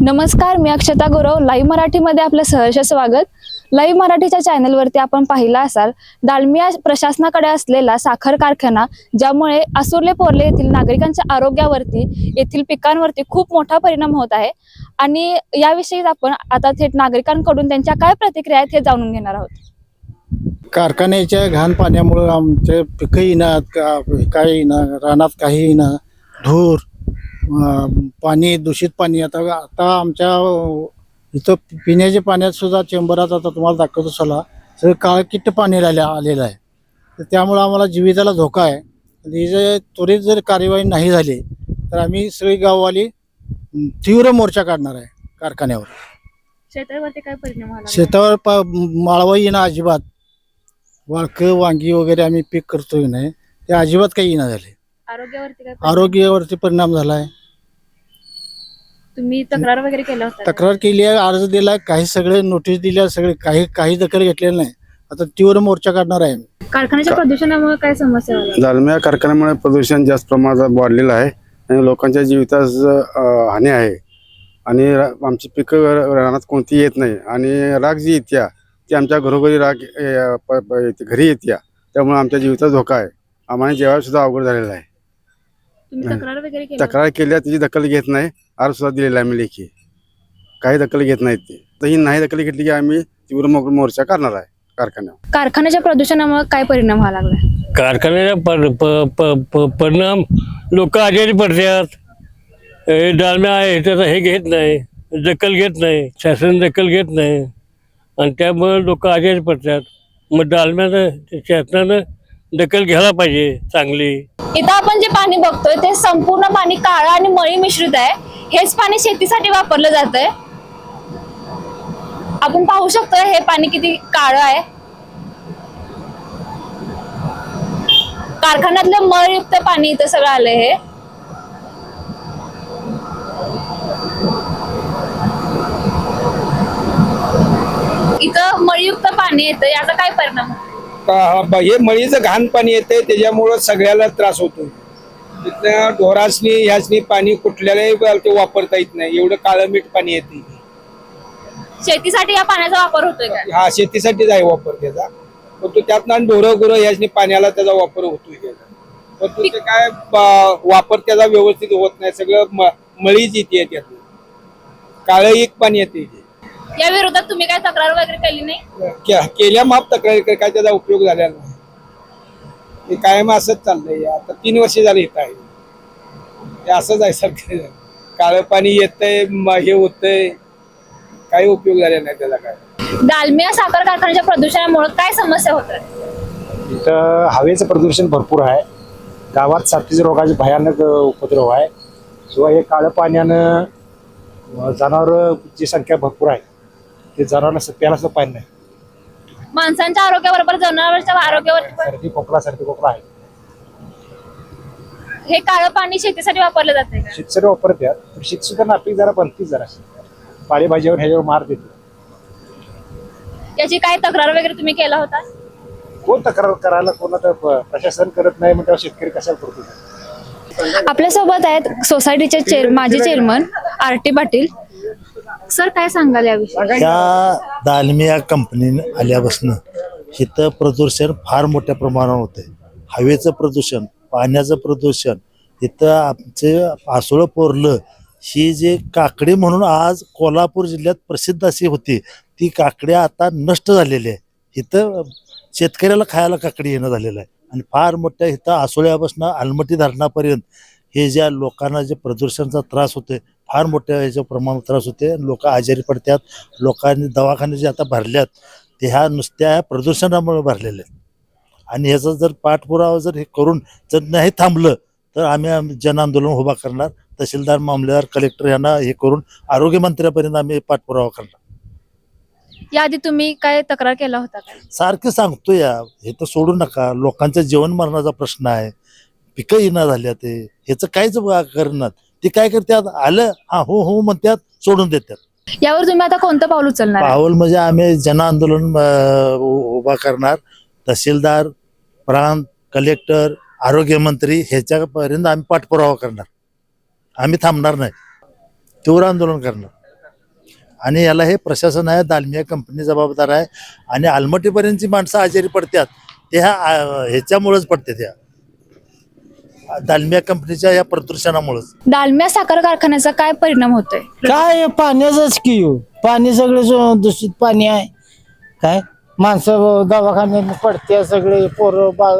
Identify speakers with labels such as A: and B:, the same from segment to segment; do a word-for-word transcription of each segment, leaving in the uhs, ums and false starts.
A: नमस्कार, मी अक्षता गौरव. लाईव्ह मराठीमध्ये आपलं सहर्ष स्वागत. लाईव्ह मराठीच्या चॅनलवरती आपण पाहिला असाल दालमिया प्रशासनाकडे असलेला साखर कारखाना, ज्यामुळे आसुर्ले पोर्ले येथील नागरिकांच्या आरोग्यावरती, येथील पिकांवरती खूप मोठा परिणाम होत आहे. आणि याविषयी आपण आता थेट नागरिकांकडून त्यांच्या काय प्रतिक्रिया आहेत हे जाणून घेणार आहोत.
B: कारखान्याच्या घाण पाण्यामुळे आमचे पिकं येणार का काही येणार, रानात काही येणार, धूर, पाणी, दूषित पाणी. आता आता आमच्या इथं पिण्याच्या पाण्यात सुद्धा चेंबरात आता तुम्हाला दाखवतो चला सगळं काळकिट्ट पाणी राहिलं आलेलं आहे. तर त्यामुळं आम्हाला जीविताला धोका आहे. आणि जे त्वरित जर कार्यवाही नाही झाली तर आम्ही सगळी गाववाली तीव्र मोर्चा काढणार आहे कारखान्यावर.
A: शेतावरती काय परिणाम झाला?
B: शेतावर पा माळवा येणं अजिबात, वाळकं वांगी वगैरे आम्ही पीक करतोय नाही ते अजिबात काही येणं झाले.
A: आरोग्यावरती काय?
B: आरोग्यावरती परिणाम झाला आहे.
A: तुम्ही तक्रार वगैरे केला होता?
B: तक्रार केली आहे, अर्ज दिला, काही सगळे नोटीस दिल्या, सगळे काही काही दखल घेतलेलं नाही. आता तीव्र मोर्चा काढणार आहे.
A: कारखान्याच्या प्रदूषणामुळे काय समस्या झाल्या?
C: दालमिया कारखान्यामुळे प्रदूषण जास्त प्रमाणात वाढलेलं आहे आणि लोकांच्या जीवितास हानी आहे. आणि आमची पिकं रानात कोणती येत नाही आणि राग जी येत्या ती आमच्या घरोघरी राग घरी येत्या, त्यामुळे आमच्या जीविताचा धोका आहे. आम्हाला जेवायला सुद्धा अवघड झालेलं आहे.
A: तुम्ही तक्रार वगैरे केली?
C: तक्रार केल्या तिची दखल घेत नाही. अर्ज सुद्धा दिलेला आहे आम्ही लेखी, काही दखल घेत नाहीत ते. तर ही नाही दखल घेतली की आम्ही तीव्र मोर्चा करणार आहे कारखान्यावर.
A: कारखान्याच्या प्रदूषणामुळे काय परिणाम व्हायला लागला?
D: कारखान्याचा पर, प, प, प, परिणाम लोक आजारी पडतात. हे दालम्या आहे त्याचा हे घेत नाही, दखल घेत नाही, शासन दखल घेत नाही आणि त्यामुळे लोक आजारी पडतात. मग दालम्यानं शासनानं दखल घ्यायला पाहिजे चांगली.
A: इथं आपण जे पाणी बघतोय ते संपूर्ण पाणी काळं आणि मळी मिश्रित आहे. हेच पाणी शेतीसाठी वापरलं जातंय. आपण पाहू शकतो हे पाणी किती काळं आहे. कारखान्यातलं मळयुक्त पाणी इथं सगळं आलंय. हे इथं मळयुक्त पाणी येतं, याचा काय परिणाम होतो?
E: हे मळीचं घाण पाणी येते, त्याच्यामुळं सगळ्याला त्रास होतो. तिथं ढोरासनी ह्यासनी पाणी कुठल्यालाही ते वापरता येत नाही, एवढं काळं मीठ पाणी येते.
A: शेतीसाठी या पाण्याचा वापर होतोय का?
E: हा, शेतीसाठीच आहे वापर त्याचा, पण तो त्यातनं ढोरं गुरं ह्यासनी पाण्याला त्याचा वापर होतोय त्याचा. पण तो ते काय वापर त्याचा व्यवस्थित होत नाही, सगळं मळीच येते त्यातून, काळं एक पाणी येते.
A: या विरोधात तुम्ही काय तक्रार वगैरे केली नाही?
E: केल्या माप तक्रारी काय त्याचा उपयोग झालेला नाही. हे कायम असंच चाललंय. आता तीन वर्ष झाले येत आहे हे असंच आहे. सर काळं पाणी येतंय, हे होतंय, काही उपयोग झालेला नाही त्याला. काय
A: दालमिया साखर कारखान्याच्या प्रदूषणामुळे काय समस्या होतात?
F: इथं हवेचं प्रदूषण भरपूर आहे. गावात साथीच्या रोगाचे भयानक उपद्रव आहे. शिवाय हे काळं पाण्यानं जनावरांची संख्या भरपूर आहे. ते जनावरांना प्यायला सुद्धा पाणी नाही.
A: माणसांच्या आरोग्याबरोबर जनावरांच्या आरोग्यावर
F: सर्दी खोकला सर्दी खोकला आहे.
A: हे काळं पाणी शेतीसाठी वापरलं जाते का?
F: शेतकरी वापरतात, पण शेत सुद्धा नापीक जरा बनतीच जरा पालेभाजीवर ह्याच्यावर मार देते.
A: याची काय तक्रार वगैरे तुम्ही केला होता?
F: कोण तक्रार करायला, कोण तर प्रशासन करत नाही, मग तेव्हा शेतकरी कशाला करतो?
A: आपल्यासोबत आहेत सोसायटीचे चेअर माजी chairman R T Patil. Sir, काय सांगाल याविषयी?
G: त्या दालमिया कंपनीनं आल्यापासून इथं प्रदूषण फार मोठ्या प्रमाणावर होते. हवेचं प्रदूषण, पाण्याचं प्रदूषण. इथं आमचे आसोळ पोर्लं ही जे काकडी म्हणून आज कोल्हापूर जिल्ह्यात प्रसिद्ध अशी होती, ती काकडी आता नष्ट झालेली आहे. इथं शेतकऱ्याला खायला काकडी येणं झालेलं आहे. आणि फार मोठ्या इथं आसोळ्यापासून आलमटी धरणापर्यंत हे ज्या लोकांना जे प्रदूषणाचा त्रास होते, फार मोठ्या ह्याच्या प्रमाणात त्रास होते. लोक आजारी पडतात. लोकांनी दवाखाने जे आता भरल्यात ते ह्या नुसत्या प्रदूषणामुळे भरलेले आहेत. आणि ह्याचा जर पाठपुरावा जर हे करून जर नाही थांबलं तर आम्ही जन आंदोलन उभा करणार. तहसीलदार, मामलेदार, कलेक्टर यांना हे करून आरोग्यमंत्र्यापर्यंत आम्ही पाठपुरावा करणार.
A: याआधी तुम्ही काय तक्रार केला होता का?
G: सारखं सांगतो या, हे तर सोडू नका. लोकांच्या जीवन मरणाचा प्रश्न आहे. पिकं येणं झाल्या, ते ह्याचं काहीच करणार. ते काय करतात, आलं हा हो हो म्हणतात, सोडून देतात.
A: यावर तुम्ही आता कोणतं पाऊल उचलणार?
G: पाऊल म्हणजे आम्ही जन आंदोलन उभा करणार. तहसीलदार, प्रांत, कलेक्टर, आरोग्यमंत्री ह्याच्यापर्यंत आम्ही पाठपुरावा करणार. आम्ही थांबणार नाही, तीव्र आंदोलन करणार. आणि याला हे प्रशासन आहे, दालमिया कंपनी जबाबदार आहे. आणि आलमटीपर्यंतची माणसं आजारी पडतात ते ह्या आ, ह्याच्यामुळेच पडतात, त्या दालमिया कंपनीच्या या प्रदूषणामुळेच.
A: दालमिया साखर कारखान्याचा काय परिणाम होतोय?
H: काय पाण्याचंच की हो. पाणी सगळं जो दूषित पाणी आहे. काय माणसं दवाखान्यात पडते, सगळे पोरं बाळ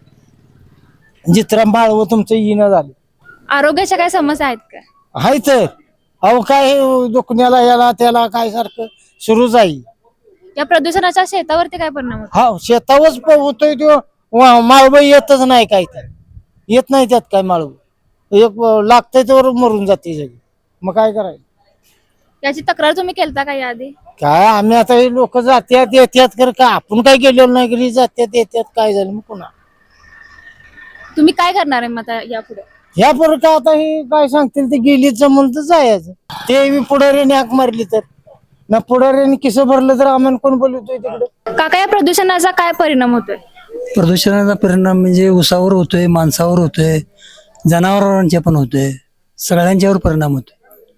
H: सगळे जित्रा बाळव तुमचं येणं झालं.
A: आरोग्याच्या काय समस्या आहेत का?
H: हाय तर अहो काय दुखण्याला याला त्याला काय सारखं सुरूच आहे.
A: या प्रदूषणाच्या शेतावरती काय परिणाम होतो?
H: हा शेतावरच प- होतोय तो माळव येतच नाही काय तर येत नाही त्यात काय माळव एक लागतंय तर मरून जाते सगळी. मग काय करायचं?
A: याची तक्रार तुम्ही केलता का याआधी?
H: काय आम्ही आता हे लोक जात्यात येत्यात कर का आपण काय गेलेलो नाही घरी जात्यात येत्यात काय झालं मग पुन्हा
A: तुम्ही काय करणार आहे मग आता यापुढे?
H: ह्या पोरं का आता हे काय सांगतील ते गेलीच जमून तर जायचं. ते बी पुढाऱ्याने हाक मारली तर ना पुढाऱ्याने किसं भरलं तर आम्हाला कोण बोलवतोय तिकडे.
A: काका या प्रदूषणाचा काय परिणाम होतोय?
I: प्रदूषणाचा परिणाम म्हणजे ऊसावर होतोय, माणसावर होतोय, जनावरांच्या पण होतोय, सगळ्यांच्यावर परिणाम होतोय.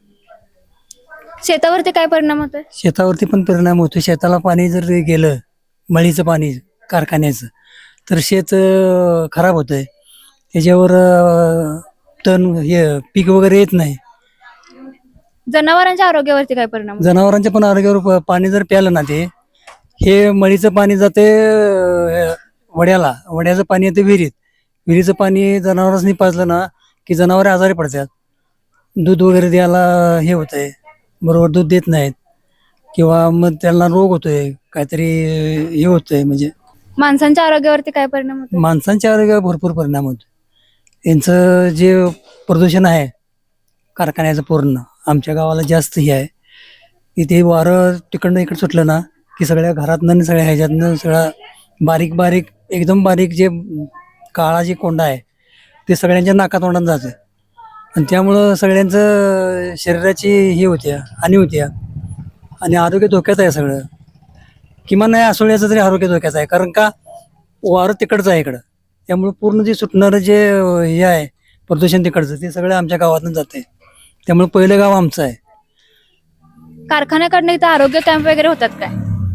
A: शेतावरती काय परिणाम होतोय?
I: शेतावरती पण परिणाम होतोय. शेताला पाणी जर गेलं, मळीचं पाणी कारखान्याचं, तर शेत अं, खराब होतंय. त्याच्यावर अं, तण हे पीक वगैरे येत नाही.
A: जनावरांच्या आरोग्यावरती काय परिणाम होतोय?
I: जनावरांच्या पण आरोग्यावर प- पाणी जर प्यालं ना, ते हे मळीचं पाणी जाते अं, वड्याला, वड्याचं पाणी येते विहिरीत. विहिरीचं पाणी जनावरांनी पाजलं ना की जनावरे आजारी पडतात. दूध वगैरे द्यायला हे होतंय, बरोबर दूध देत नाहीत, किंवा मग त्यांना रोग होतोय, काहीतरी हे होतंय. म्हणजे
A: माणसांच्या आरोग्यावरती काय परिणाम होतोय?
I: माणसांच्या आरोग्यावर भरपूर परिणाम होतो. यांचं जे प्रदूषण आहे कारखान्याचं पूर्ण आमच्या गावाला जास्त हे आहे. इथे वारं तिकडनं इकडं सुटलं ना की सगळ्या घरातनं आणि सगळ्या ह्याच्यातनं सगळा बारीक बारीक एकदम बारीक जे काळा जे कोंडा आहे ते सगळ्यांच्या नाकातोंडात जातं. आणि त्यामुळं सगळ्यांचं शरीराची हे होते, हानी होते आणि आरोग्य धोक्यात आहे सगळं. किमान नाही आसोळ्याचं तरी आरोग्य धोक्याचं आहे, कारण का वारं तिकडचं आहे इकडं. त्यामुळे पूर्ण जे सुटणारं जे हे आहे प्रदूषण तिकडचं ते सगळं आमच्या गावातून जाते. त्यामुळे पहिलं गाव आमचं आहे.
A: कारखान्याकडनं इथं आरोग्य कॅम्प वगैरे होतात काय?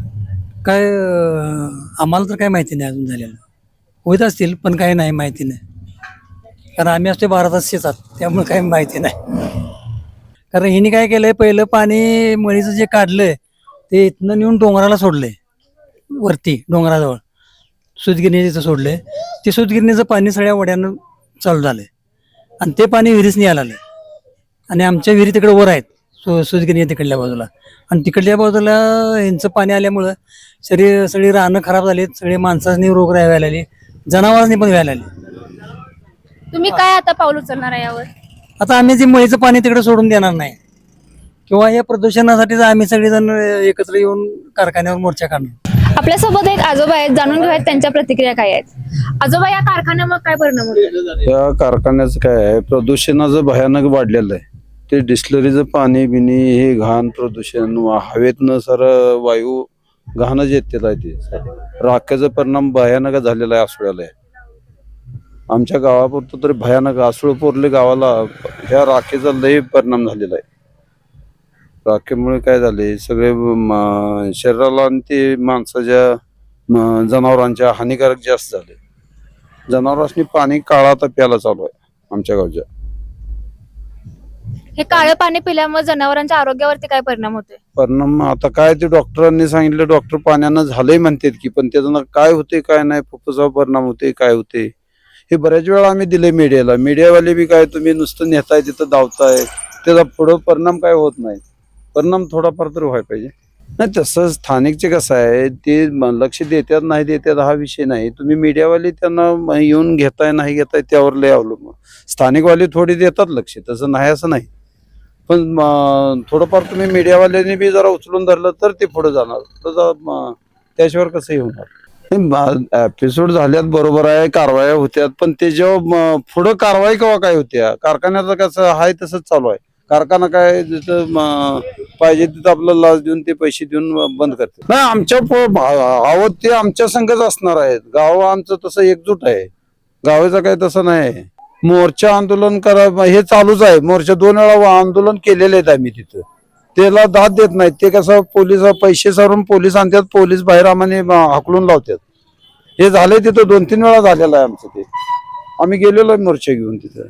I: काय अं, आम्हाला तर काय माहिती नाही अजून झालेलं. होत असतील पण काही नाही माहिती नाही, कारण आम्ही असतो बारा तास शेतात, त्यामुळे काही माहिती नाही. कारण हिने काय केलंय, पहिलं पाणी मळीचं जे काढलंय ते इथनं नेऊन डोंगराला सोडलंय, वरती डोंगराजवळ सूतगिरणी जिथं सोडलंय ते सूतगिरणीचं पाणी सगळ्या वड्यानं चालू झालंय आणि ते पाणी विहिरीसनी यायला लागलंय. आणि आमच्या विहिरी तिकडे वर आहेत, सु सूतगिरणी तिकडल्या बाजूला, आणि तिकडल्या बाजूला यांचं पाणी आल्यामुळं शरीर सगळी रानं खराब झालीत, सगळे माणसांनी रोग व्हायला लागले, जनावरांनी पण व्हायला लागले.
A: तुम्ही काय आता पाऊल उचलणार आहे यावर?
I: आता आम्ही ते मळीचं पाणी तिकडे सोडून देणार नाही, किंवा या प्रदूषणासाठी आम्ही सगळेजण एकत्र येऊन कारखान्यावर मोर्चा काढणार.
A: आपल्यासोबत एक आजोबा आहेत, जाणून घेऊयात त्यांच्या प्रतिक्रिया काय आहेत. आजोबा, या कारखान्यामुळे काय परिणाम होतो?
C: या कारखान्याचं काय आहे, प्रदूषणाचं भयानक वाढलेलं आहे. ते डिस्लरीचं पाणी बिनी हे घाण प्रदूषण, हवेतनं सर वायू घाणच येते आहे. ते राख्याचा परिणाम भयानक झालेला आहे आसुळ्याला. आमच्या गावापुरतं तरी भयानक, आसुळ पोरले गावाला ह्या राखेचा लय परिणाम झालेला आहे. राखेमुळे काय झाले, सगळे म- शरीराला आणि ते माणसाच्या म- जनावरांच्या हानिकारक जास्त झाले. जनावरांनी पाणी काळा आता प्यायला चालू आहे आमच्या गावच्या.
A: हे काळं पाणी पिल्यामुळे जनावरांच्या आरोग्यावरती काय परिणाम होतोय?
C: परिणाम आता काय ते डॉक्टरांनी सांगितलं, डॉक्टर पाण्यानं झालंय म्हणतात की, पण त्याचं काय होते काय नाही, फुफ्फुसावर परिणाम होते काय होते हे बऱ्याच वेळा आम्ही दिले मीडियाला. मीडियावाले बी काय तुम्ही नुसतं नेताय तिथं धावताय, त्याचा पुढं परिणाम काय होत नाही. परिणाम थोडाफार तर व्हायला पाहिजे. नाही तसं स्थानिकचे कसं आहे, ते म- लक्ष देतात नाही देतात हा विषय नाही. तुम्ही मीडियावाले त्यांना म- येऊन घेताय नाही घेताय त्यावर लय अवलंबून. स्थानिकवाले थोडी देतात लक्ष, तसं नाही असं नाही, पण म- थोडंफार तुम्ही मीडियावाल्यांनी बी जरा उचलून धरलं तर ते पुढे जाणार. तसं म- त्याशिवाय कसंही होणार. एपिसोड झाल्यात बरोबर आहे, कारवाया होत्यात, पण त्याच्यावर पुढं कारवाई केव्हा काय होत्या? कारखान्याचं कसं आहे तसंच चालू आहे. कारखाना काय जिथं म- पाहिजे तिथं आपलं लाच देऊन ते पैसे देऊन बंद करते. नाही आमच्या आवत ते आमच्या संघच असणार आहेत. गाव आमचं तसं एकजूट आहे, गावाचं काय तसं नाही. मोर्चा आंदोलन करा हे चालूच आहे. मोर्चा दोन वेळा आंदोलन केलेले आहेत आम्ही तिथं, त्याला दाद देत नाहीत. ते कसं पोलीस पैसे सारून पोलीस आणतात, पोलीस बाहेर आम्हाला हाकलून लावतात. हे झालंय तिथं दोन तीन वेळा झालेलं आहे आमचं. ते आम्ही गेलेलो आहे मोर्चा घेऊन तिथं.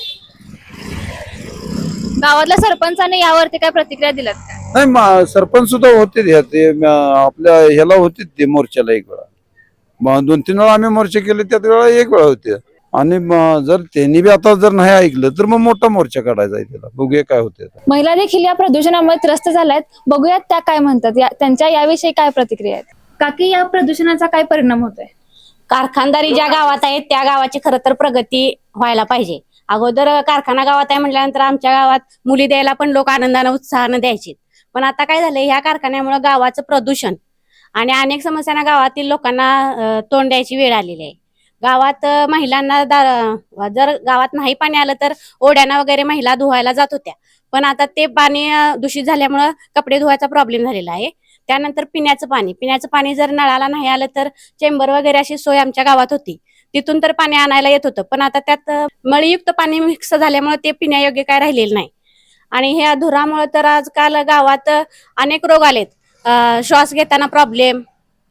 A: गावातल्या सरपंचाने यावरती काय प्रतिक्रिया दिल्यात का?
C: नाही मा- सरपंच सुद्धा होते ते ते, म, आपल्या ह्याला होते ते मोर्चाला एक वेळा. मग दोन तीन वेळा आम्ही मोर्चा केले, त्यात वेळा एक वेळा होते. आणि म- जर त्यांनी बी आता जर नाही ऐकलं तर मग मोठा मोर्चा काढायचा आहे त्याला. बघूया काय होते.
A: महिला देखील या प्रदूषणामुळे त्रस्त झाल्यात. बघूयात त्या काय म्हणतात, या- त्यांच्या याविषयी काय प्रतिक्रिया आहेत. काकी, या प्रदूषणाचा काय परिणाम होतोय?
J: कारखानदारी ज्या गावात आहेत त्या गावाची खरं तर प्रगती व्हायला पाहिजे. अगोदर कारखाना गावात आहे म्हटल्यानंतर आमच्या गावात मुली द्यायला पण लोक आनंदानं उत्साहानं द्यायचे. पण आता काय झालंय, ह्या कारखान्यामुळे गावाचं प्रदूषण आणि अनेक समस्यांना गावातील लोकांना अं, तोंड द्यायची वेळ आलेली आहे. गावात अं, महिलांना दा- जर गावात नाही पाणी आलं तर ओढ्याना वगैरे महिला धुवायला जात होत्या. पण आता ते पाणी अं, दूषित झाल्यामुळं कपडे धुवायचा प्रॉब्लेम झालेला आहे. त्यानंतर पिण्याचं पाणी पिण्याचं पाणी जर नळाला नाही आलं तर चेंबर वगैरे अशी सोय आमच्या गावात होती, तिथून तर पाणी आणायला येत होतं. पण आता त्यात अं, मळीयुक्त पाणी मिक्स झाल्यामुळे ते पिण्यायोग्य काय राहिलेलं नाही. आणि ह्या धुरामुळे तर आजकाल गावात अनेक रोग आलेत. अं, श्वास घेताना प्रॉब्लेम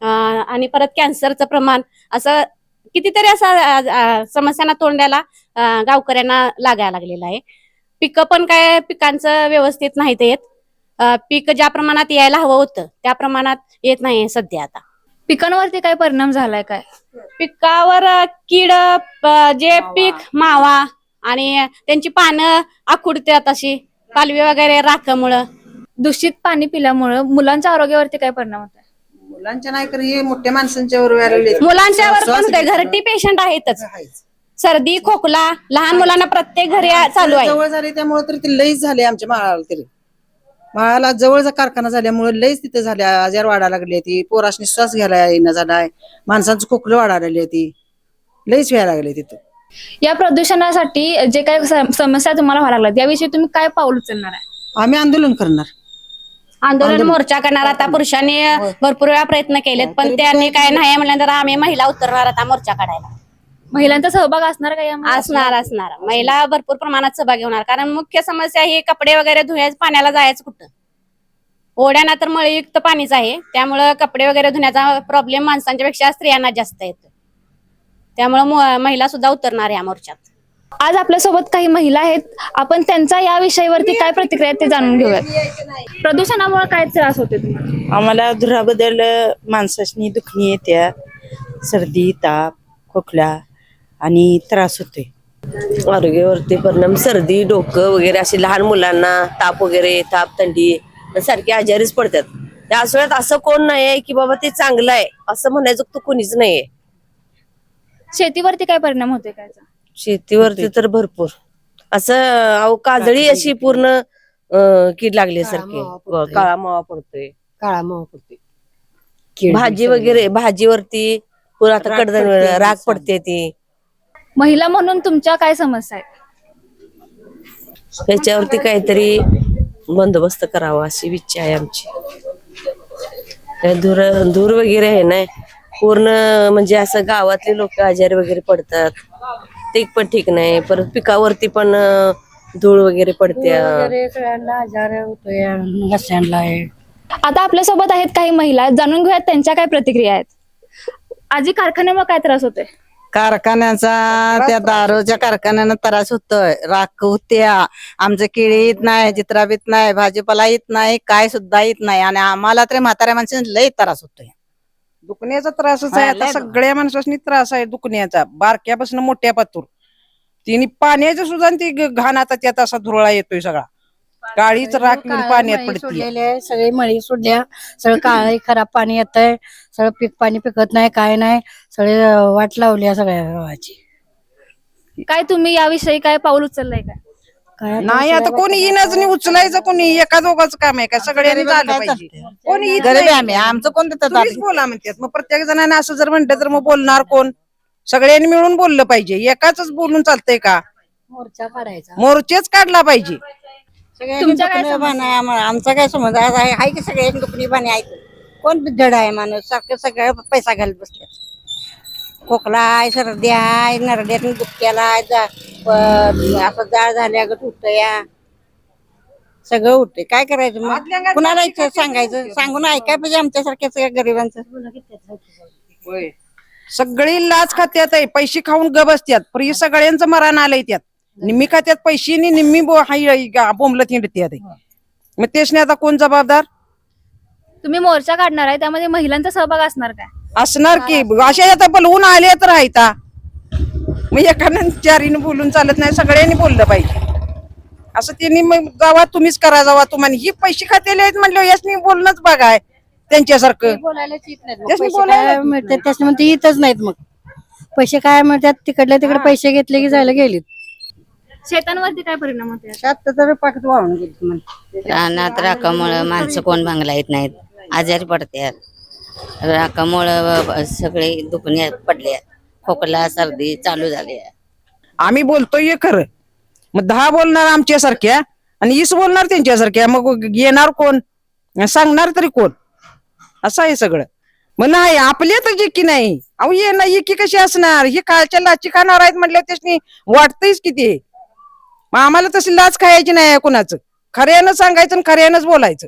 J: आणि परत कॅन्सरचं प्रमाण, असं कितीतरी असं समस्यांना तोंड द्यायला अं, गावकऱ्यांना लागायला लागलेलं आहे. पिकं पण काय पिकांचं व्यवस्थित नाहीत येत. अं, पीक ज्या प्रमाणात यायला हवं होतं त्या प्रमाणात येत नाही सध्या. आता
A: पिकांवरती काय परिणाम झालाय काय?
J: पिकावर अं, कीड, प- जे पीक मावा आणि त्यांची पानं आखुडतात, अशी पालवी वगैरे राखामुळं.
A: दूषित पाणी पिल्यामुळे मुलांच्या आरोग्यावरती काय परिणाम होतोय?
K: मुलांच्या नाही तर हे मोठ्या माणसांच्या वर व्हायला लागले.
J: मुलांच्यावर पण होतंय. घरटी पेशंट आहेतच. सर्दी, खोकला लहान मुलांना प्रत्येक घरी चालू आहे.
K: जवळ झाले त्यामुळे तरी ते लईच झाले आमच्या माळाला. तरी माळाला जवळचा कारखाना झाल्यामुळे लईच तिथे झाल्या आजार वाढायला लागली. ती पोराशनी श्वास घ्यायला येणं झालाय, माणसांचं खोकलं वाढायला लागली. ती लईच व्हायला लागले तिथं.
A: या प्रदूषणासाठी जे काही सम- समस्या तुम्हाला व्हायला लागल्यात, याविषयी तुम्ही काय पाऊल उचलणार आहे?
K: आम्ही आंदोलन करणार.
J: आंदोलन मोर्चा करणार. आता पुरुषांनी भरपूर वेळा प्रयत्न केलेत पण त्यांनी काय नाही म्हणल्यानंतर आम्ही महिला उतरणार आता मोर्चा काढायला.
A: महिलांचा सहभाग असणार का यामध्ये?
J: असणार असणार महिला भरपूर प्रमाणात सहभागी होणार. कारण मुख्य समस्या ही कपडे वगैरे धुण्याचं, पाण्याला जायचं कुठं. ओढ्याना तर मळयुक्त पाणीच आहे, त्यामुळं कपडे वगैरे धुण्याचा प्रॉब्लेम माणसांच्या पेक्षा स्त्रियांना जास्त येतो. त्यामुळे महिला सुद्धा उतरणार या मोर्चात.
A: आज आपल्यासोबत काही महिला आहेत, आपण त्यांचा या विषयावरती काय प्रतिक्रिया आहेत ते जाणून घेऊयात. प्रदूषणामुळे काय त्रास होते तुम्हाला?
L: आम्हाला धुराबद्दल माणसाची दुखणी येत्या, सर्दी, ताप, खोकला आणि त्रास होते.
M: आरोग्यावरती परिणाम, सर्दी, डोकं वगैरे असे लहान मुलांना ताप वगैरे, ताप थंडी सारखे आजारीच पडतात. त्या असोळ्यात असं कोण नाही आहे की बाबा ते चांगलं आहे असं म्हणायचं तर कोणीच नाहीये.
A: शेतीवरती काय परिणाम होते काय?
M: शेतीवरती तर भरपूर असं अहो काजळी अशी पूर्ण अं, कीड लागल्यासारखी, काळा मावा पडतोय,
L: काळा मावा पडते.
M: भाजी वगैरे भाजीवरती पुन्हा आता कडधान राग पडते. ती
A: महिला म्हणून तुमच्या काय समस्या आहेत?
M: त्याच्यावरती काहीतरी बंदोबस्त करावा अशी इच्छा आहे आमची. त्या धूर धूर वगैरे आहे ना पूर्ण, म्हणजे असं गावातले लोक आजारी वगैरे पडतात, ते पण ठीक नाही. परत पिकावरती पण अं, धूळ वगैरे पडते.
L: सगळ्यांना आजार होतोय, घशांना आहे.
A: आता आपल्यासोबत आहेत काही महिला, जाणून घेऊयात त्यांच्या काय प्रतिक्रिया आहेत. आजी, कारखान्यामुळे काय त्रास होतोय?
K: कारखान्याचा, त्या दारूच्या कारखान्यानं त्रास होतोय. राख होत्या, आमचं केळी येत नाही, चित्रा येत नाही, भाजीपाला येत नाही, काय सुद्धा येत नाही. आणि आम्हाला तर म्हाताऱ्या माणसांना लय त्रास होतोय. दुखण्याचा त्रासच आहे आता, सगळ्या माणसांनी त्रास आहे दुखण्याचा, बारक्यापासून मोठ्या पातूर. तिने पाण्याचं सुद्धा ती घाण आता त्यात असा धुरळा येतोय सगळा, काळीच राख पाण्यात पडते.
L: सगळी मळी सोडल्या, सगळं काळ खराब पाणी येत आहे, सगळं पीक पाणी पिकत नाही, काय नाही, सगळे वाट लावल्या सगळ्या गावाची.
A: काय तुम्ही याविषयी काय पाऊल उचललंय का?
L: काय
K: नाही आता कोणी येणंच नाही, उचलायचं कोणी, एका दोघांचं काम आहे का, सगळ्यांनी झालं पाहिजे. कोणी गरीब आम्ही, आमचं कोण तुम्हीच बोला म्हणतात. मग प्रत्येक जणांना असं जर म्हणलं तर मग बोलणार कोण? सगळ्यांनी मिळून बोललं पाहिजे, एकाच बोलून चालतंय का?
L: मोर्चा काढायचा,
K: मोर्चेच काढला पाहिजे.
L: तुमच्या काय समस्या?
K: आमचा काय समज आहे की सगळ्यांनी दुखणी बाणी आहे, कोण बिद्धड आहे माणूस, सारखं सगळं पैसा घालत बसले. खोकला आहे, सर्दी आहे, नरड्यातून दुखत्याला आहे, जा- प- असं जाळ झाल्या गट होतया, सगळं उठते काय करायचं मग कुणाला इथं सांगायचं सांगून ऐकाय पाहिजे आमच्यासारख्या सगळ्या गरिबांचं.
N: सगळी लाच खात्यात आहे, पैसे खाऊन ग बसत्यात, पण हे सगळ्यांचं मरण आलंय त्यात. निम्मी खात्यात पैसे आणि निम्मी बो- हाय गा- बोंबलत हिंडत्यात. मग तेच नाही आता कोण जबाबदार
A: तुम्ही मोर्चा काढणार आहे त्यामध्ये महिलांचा सहभाग असणार काय?
N: असणार की अशा आता बोलवून आले तर राहता. मग एकानं चारीनं बोलून चालत नाही, सगळ्यांनी बोललं पाहिजे. असं त्यांनी मग जावा तुम्हीच करा जावा तुम्हाला ही पैसे खातेले आहेत म्हणलं यासनी बोलणंच बघाय त्यांच्यासारखं.
L: बोलायलाच येत नाहीत मग.
N: त्यासनी
L: पैसे
N: बोलायला
L: काय मिळतात त्यासनी म्हणते येतच नाहीत. मग पैसे काय मिळतात तिकडल्या तिकडे पैसे घेतले की जायला गेलीत.
A: शेतांवरती काय परिणाम होते?
K: शात तर पाकत वाहून गेली.
M: रानात राखामुळं माणसं कोण भांगला येत नाहीत, आजारी पडतात. राखामुळं सगळे दुखणे पडले, खोकला सर्दी चालू झाली.
N: आम्ही बोलतोय हे खरं, मग दहा बोलणार आमच्यासारख्या आणि वीस बोलणार त्यांच्यासारख्या, मग येणार कोण सांगणार तरी कोण? असं आहे सगळं. मग नाही आपल्या तर एकी नाही. अहो ये ना एकी कशी असणार, ही कालच्या लाची खाणार आहेत म्हटलं त्यासनी वाटतंयच किती. मग आम्हाला तशी लाच खायची नाही कुणाचं, खऱ्यानं सांगायचं आणि खऱ्यानंच बोलायचं.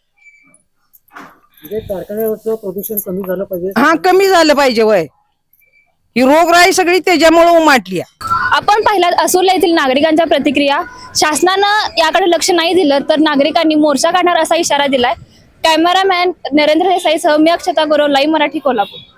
F: कारखान्यावरचं प्रदूषण कमी झालं पाहिजे.
N: हा कमी झालं पाहिजे. वय ही रोगराई सगळी त्याच्यामुळे उमाटली.
A: आपण पाहिलात असुर्ला येथील नागरिकांच्या प्रतिक्रिया. शासनानं याकडे लक्ष नाही दिलं तर नागरिकांनी मोर्चा काढणार असा इशारा दिलाय. कॅमेरामॅन नरेंद्र देसाई सह मी अक्षता गुरव, लाईव्ह मराठी, कोल्हापूर.